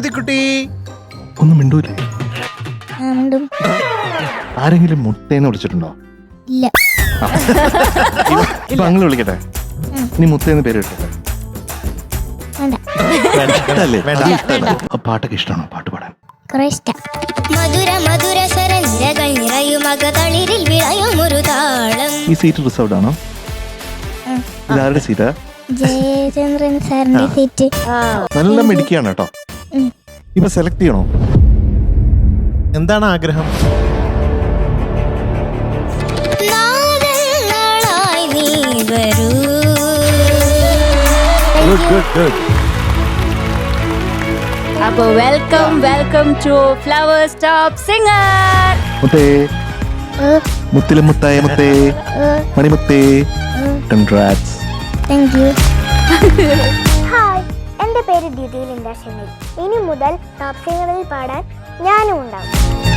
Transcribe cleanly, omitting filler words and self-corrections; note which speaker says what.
Speaker 1: മുത്തിക്കുട്ടി
Speaker 2: ഒന്നും മിണ്ടൂലേ?
Speaker 3: മിണ്ടും.
Speaker 2: ആരെങ്കിലും മുത്തേന്ന് വിളിച്ചിട്ടുണ്ടോ?
Speaker 3: ഇല്ല.
Speaker 2: ഇപ്പൊ അങ്ങനെ വിളിക്കട്ടെ. ഇനി മുത്തേന്ന് പേര് ഇട്ടേ.
Speaker 3: വേണ്ട.
Speaker 2: ഇഷ്ടല്ലേ?
Speaker 1: വേണ്ട.
Speaker 2: അത് ഇഷ്ടല്ല. പാട്ടൊക്കെ ഇഷ്ടമാണോ? പാട്ട് പാടാൻ
Speaker 3: കുറെ ഇഷ്ടം.
Speaker 4: മധുര മധുര സരനിരകൾ നിറയുമകതളിരിൽ വിളയുമൊരു താളം.
Speaker 2: ഈ സീറ്റ് റിസർവ്ഡ് ആണോ? ഇതാരുടെ സീറ്റാ?
Speaker 3: ജയചന്ദ്രൻ സാറിന്റെ സീറ്റ്.
Speaker 2: നല്ല മിടിക്കാണ് കേട്ടോ. ഇപ്പൊ സെലക്ട് ചെയ്യണോ?
Speaker 1: എന്താണ് ആഗ്രഹം?
Speaker 4: നാദങ്ങളായി നീ വരൂ.
Speaker 1: Good good good.
Speaker 5: അപ്പൊ welcome to Flowers Top Singer.
Speaker 2: മുത്തേ, മുത്തിലും മുത്തായ മുത്തേ, മണിമുത്തേ, കൺഗ്രാറ്റ്സ്.
Speaker 3: Thank you.
Speaker 6: ഹായ്, എൻ്റെ പേര് ദ്യുതി ലിൻഡ ഷെമി. ഇനി മുതൽ ടോപ്പ് സിംഗറിൽ പാടാൻ ഞാനും ഉണ്ടാവും.